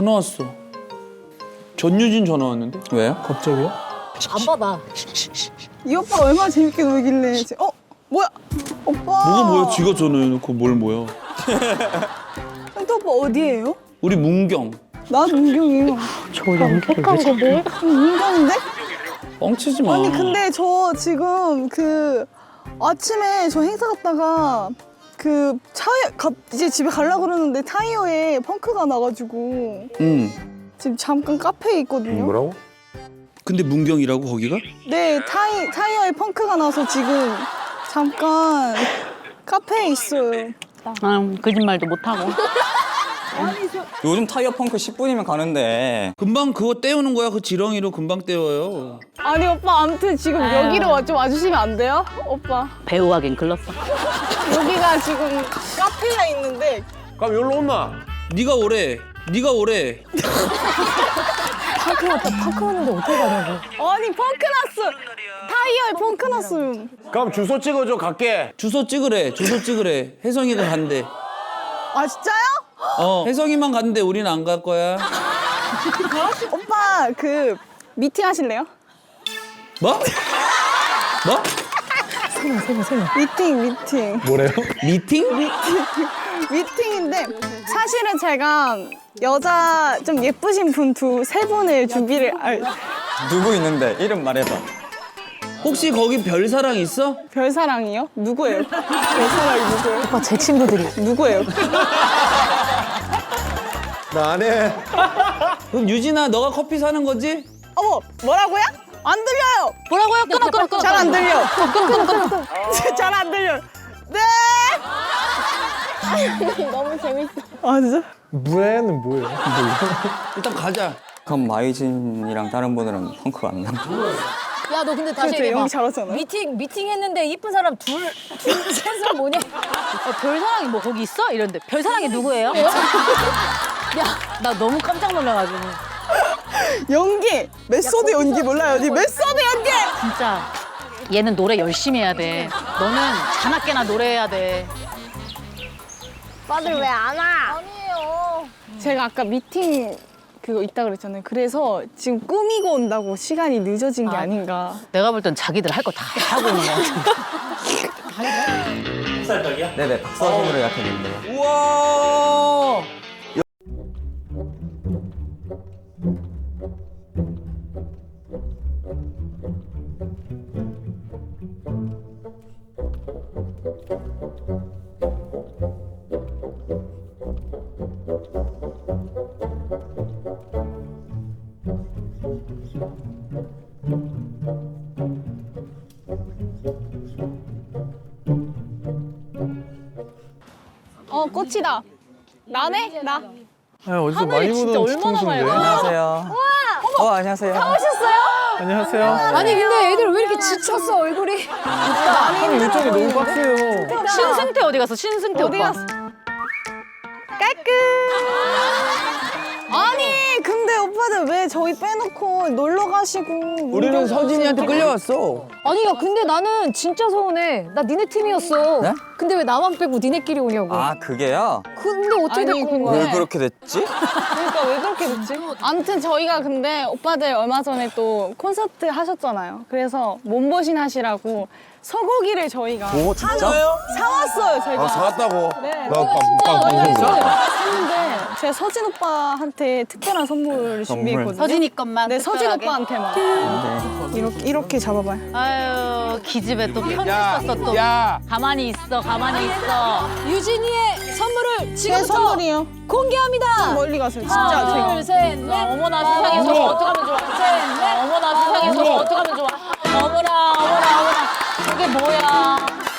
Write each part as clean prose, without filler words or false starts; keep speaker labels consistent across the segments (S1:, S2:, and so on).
S1: 전화 왔어. 전유진 전화 왔는데?
S2: 왜요?
S1: 갑자기요?
S3: 안 받아.
S4: 이 오빠가 얼마나 재밌게 놀길래 뭐야? 오빠
S1: 뭐가 뭐야? 지가 전화해놓고 뭘 뭐야?
S4: 현태 오빠 어디예요?
S1: 우리 문경.
S4: 나 문경이에요.
S3: 저 연기를 왜 잘해?
S4: 문경인데?
S1: 뻥치지 마.
S4: 아니 근데 저 지금 아침에 저 행사 갔다가 이제 집에 가려고 그러는데 타이어에 펑크가 나가지고
S1: 응.
S4: 지금 잠깐 카페에 있거든요.
S5: 뭐라고?
S1: 근데 문경이라고 거기가?
S4: 네, 타이어에 펑크가 나서 지금 잠깐 카페에 있어요.
S3: 거짓말도 못하고.
S2: 요즘 타이어 펑크 10분이면 가는데.
S1: 금방 그거 떼우는 거야. 그 지렁이로 금방 떼워요.
S4: 아니 오빠 아무튼 지금 여기로 좀 와주시면 안 돼요? 오빠
S3: 배우하긴 글렀어.
S4: 여기가 지금 카페가 있는데
S5: 그럼 여기로 온나?
S1: 네가 오래. 네가 오래.
S3: 파크 왔다. 파크 왔는데 어떻게 가냐고.
S4: 아니 펑크 났어. 타이어에 펑크 났어요.
S5: 그럼 주소 찍어줘 갈게.
S1: 주소 찍으래. 주소 찍으래. 혜성이가 간대.
S4: 아 진짜요?
S1: 혜성이만 간대. 우리는 안 갈 거야.
S4: 오빠 미팅 하실래요?
S1: 뭐? 뭐?
S4: 미팅.
S5: 뭐래요?
S1: 미팅?
S4: 미팅인데 사실은 제가 여자 좀 예쁘신 분 세 분을 준비를
S2: 누구 있는데? 이름 말해봐.
S1: 혹시 거기 별사랑 있어?
S4: 별사랑이요? 누구예요? 별사랑이 누구예요?
S3: 오빠 제 친구들이.
S4: 누구예요?
S5: 나 안 해.
S1: 그럼 유진아 너가 커피 사는 거지?
S4: 어머 뭐라고요? 안 들려요.
S3: 뭐라고요? 끊어.
S4: 잘 안 들려. 잘 안 들려. 네. 너무 재밌어. 아 진짜?
S5: 무에는 뭐예요?
S1: 일단 가자.
S2: 그럼 마이진이랑 다른 분들은 펑크가 안 나.
S3: 야, 너 근데 다시
S4: 그렇죠,
S3: 얘기해봐.
S4: 연기 잘하잖아요.
S3: 미팅 했는데 이쁜 사람 셋은 뭐냐? 별사랑이 뭐 거기 있어? 이런데 별사랑이 누구예요? 야, 나 너무 깜짝 놀라가지고.
S4: 연기. 메소드 연기 몰라요? 니 메소드 연기.
S3: 진짜 얘는 노래 열심히 해야 돼. 너는 자나깨나 노래해야 돼.
S6: 오빠들 왜 안 와? 아니에요.
S4: 제가 아까 미팅 그거 있다 그랬잖아요. 그래서 지금 꾸미고 온다고 시간이 늦어진 게 아닌가.
S3: 내가 볼 땐 자기들 할 거 다 하고 오는 거 같은데.
S2: 네네, 박서준으로 예약했는데요.
S1: 우와.
S4: 꽃이다. 나네? 나.
S5: 어디서 많이 보던 뒤통수인데.
S2: 안녕하세요. 안녕하세요.
S5: 안녕하세요.
S6: 아니 근데 애들 왜 이렇게 지쳤어 얼굴이?
S5: 형님 일정이 너무 빡세요.
S3: 신승태 어디 갔어? 신승태
S4: 어디
S3: 오빠.
S4: 갔어? 깔끔. 아니 근데 오빠들 왜 저희 빼놓고 놀러 가시고.
S1: 우리는 서진이한테 끌려왔어.
S6: 아니 야 근데 나는 진짜 서운해. 나 니네 팀이었어.
S2: 네?
S6: 근데 왜 나만 빼고 니네끼리 오냐고.
S2: 아, 그게요?
S6: 근데 어떻게
S4: 아니,
S6: 데리고 온
S2: 왜
S6: 거야?
S2: 그렇게 됐지?
S4: 그러니까 왜 그렇게 됐지? 아무튼 저희가 근데 오빠들 얼마 전에 또 콘서트 하셨잖아요. 그래서 몸보신 하시라고 소고기를 저희가
S5: 오 진짜?
S4: 사왔어요. 저희가.
S5: 아 사왔다고?
S4: 네.
S5: 나 빵
S4: 샀는데 제가 서진 오빠한테 특별한 선물을 준비했거든요.
S3: 서진이 것만.
S4: 네, 서진
S3: 특별하게?
S4: 오빠한테만. 이렇게 잡아봐요.
S3: 아유, 기집애 또 편지 썼어 또.
S1: 야.
S3: 가만히 있어, 가만히 있어.
S6: 유진이의 선물을
S4: 제
S6: 지금부터
S4: 선물이요.
S6: 공개합니다.
S4: 멀리 가세요. 진짜
S6: 하나,
S4: 제가.
S6: 둘, 셋, 넷.
S3: 어머나 세상에 저거 어떡하면 좋아. 어머나 세상에 저거 어떡하면 좋아. 어머나. 저게 뭐야.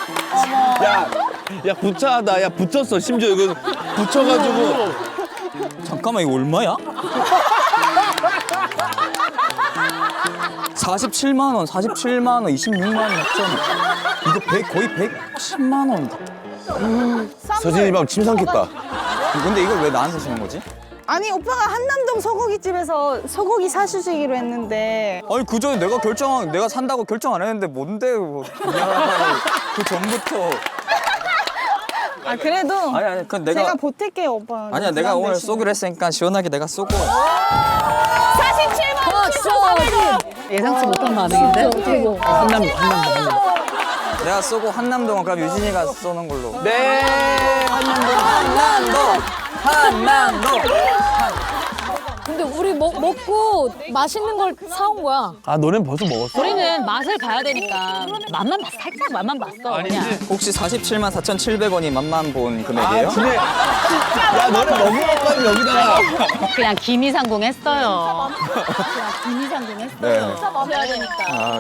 S1: 야 부차하다. 야 붙였어. 심지어 이거 붙여가지고.
S2: 잠깐만, 이거 얼마야? 47만 원, 26만 원 합천. 이거 거의 110만 원.
S5: 서진이 방 침 삼켰다.
S2: 근데 이걸 왜 나한테 주는 거지?
S4: 아니 오빠가 한남동 소고기집에서 소고기 사주시기로 했는데
S2: 아니 그 전에 내가 산다고 결정 안 했는데 뭔데 그냥 그 전부터
S4: 아 그래도
S2: 아니 그 내가
S4: 제가 보탤게요 오빠.
S2: 아니야 내가
S4: 부담
S2: 오늘
S4: 되시면.
S2: 쏘기로 했으니까 시원하게 내가 쏘고
S3: 47만 7,400원. 예상치 못한 반응인데?
S2: 내가 쏘고 한남동은 그럼 유진이가 쏘는 걸로.
S1: 네.
S2: 한남동.
S6: 근데 우리 먹고 맛있는 걸 사온 거야.
S1: 아 너넨 벌써 먹었어?
S3: 우리는 맛을 봐야 되니까 맛만 봤어. 살짝 맛만 봤어. 그냥.
S2: 혹시 47만 4,700원이 맛만 본
S1: 아
S2: 금액이에요?
S1: 그래. 야 너네 너무 먹고 여기다가.
S3: 그냥 기미상궁 했어요. 그냥 기미상궁 했어요.
S2: 네.
S3: 봐야 되니까.
S2: 아,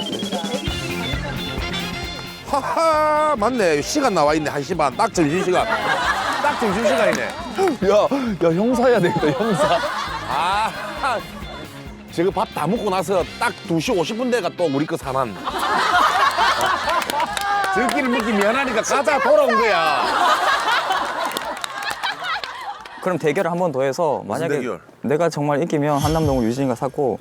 S5: 하하 맞네 시간 나와 있네 1시 반 딱 점심시간 딱 점심시간이네
S1: 야 형사야 되겠다 형사.
S5: 아 지금 밥 다 먹고 나서 딱 2시 50분 대가 또 우리 거 사난 저희끼리 먹기 미안하니까 가자 돌아온 거야
S2: 그럼 대결을 한 번 더 해서 만약에
S5: 대결?
S2: 내가 정말 이기면 한남동을 유진이가 사고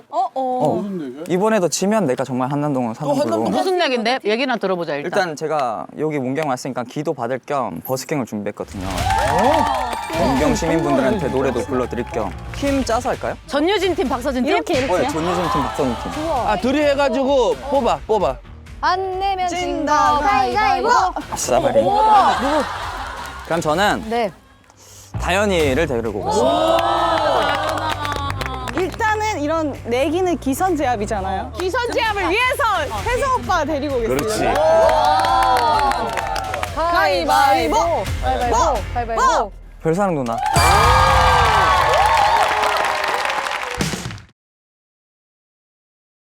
S2: 이번에도 지면 내가 정말 한남동을 사는 걸로.
S3: 무슨 얘긴데? 얘기나 들어보자 일단.
S2: 일단 제가 여기 문경 왔으니까 기도 받을 겸 버스킹을 준비했거든요. 문경 시민분들한테 노래도 불러드릴 겸 팀 짜서 할까요?
S3: 전유진 팀, 박서진 팀?
S2: 전유진 팀, 박선우 팀.
S1: 아 둘이 해가지고 뽑아.
S6: 안 내면
S4: 진다, 가위바위보.
S2: 아싸바리. 그럼 저는
S6: 네.
S2: 다현이를 데리고 오겠습니다.
S4: 일단은 이런 내기는 기선제압이잖아요. 기선제압을 위해서 혜성 오빠 데리고 오겠습니다.
S5: 그렇지
S4: 가위바위보.
S6: 가위바위보. 가위바위보.
S2: 별사랑 누나.